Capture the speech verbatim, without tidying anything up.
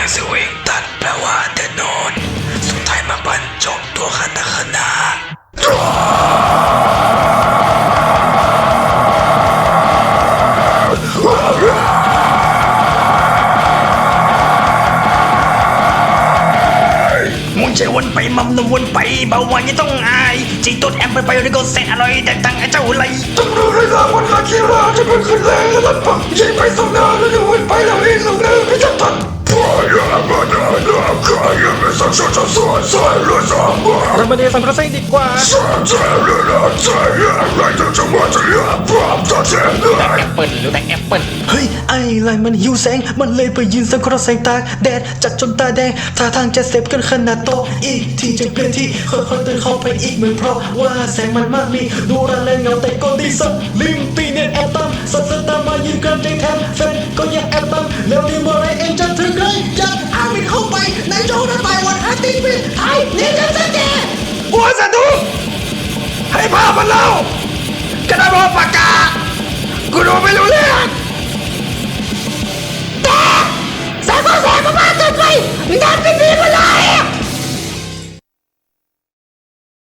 สวิงตัดแปลว่าเดินนอนสุดท้ายมาบรรจบตัวคาตาคนามุนใจวนไปมัมนวนไปเบาหวานยังต้องอายจีต้นแอมไปไปริโกเซนอร่อยแต่ตังไอ้เจ้าไรต้องรู้เลยนะวันอาคิราจะเป็นคนแรงและปังยิงไปสองหน้าแล้วจะวนไปแล้วเองลงเนินไม่จับทันพายามาดาดาคายไม่สักชาจะสวยสวยรู้สามบ้าเรามาเรียนสัมภาษณ์ดีกว่าสามใจเรื่องใจอะไรจะจะมาจะเลือกพร้อมจะเจอเลยแอปเปิลหรือแอปเปิลเฮ้ยไอ้ไรมันหิวแสงมันเลยไปยืนสังเคราะห์แสงตาแดดจัดจนตาแดงท่าทางจะเสพกันขนาดโตอีกที่จะเปลี่ยนที่ค่อยๆเดินเข้าไปอีกเหมือนเพราะว่าแสงมันมากมีดูรันแรงเงาแต่ก็ดีสักลิมตีเนี่ยแอบตั้มสัตว์ตามมายืนกันใจแทนแฟนก็ยังแอบตั้มแล้วดีเมื่อไรเองจะถึงเลยจะอามินเข้าไปในโจนั้นไปวันอาทิตย์เป็นไทยนี่จะจะแกบัวสะดุให้ภาพมันเล่ากระดาษบอกปากกากูดูไม่รู้เรื่องแต่แสงก็แสงก็มากเกินไปดันเป็นดีมา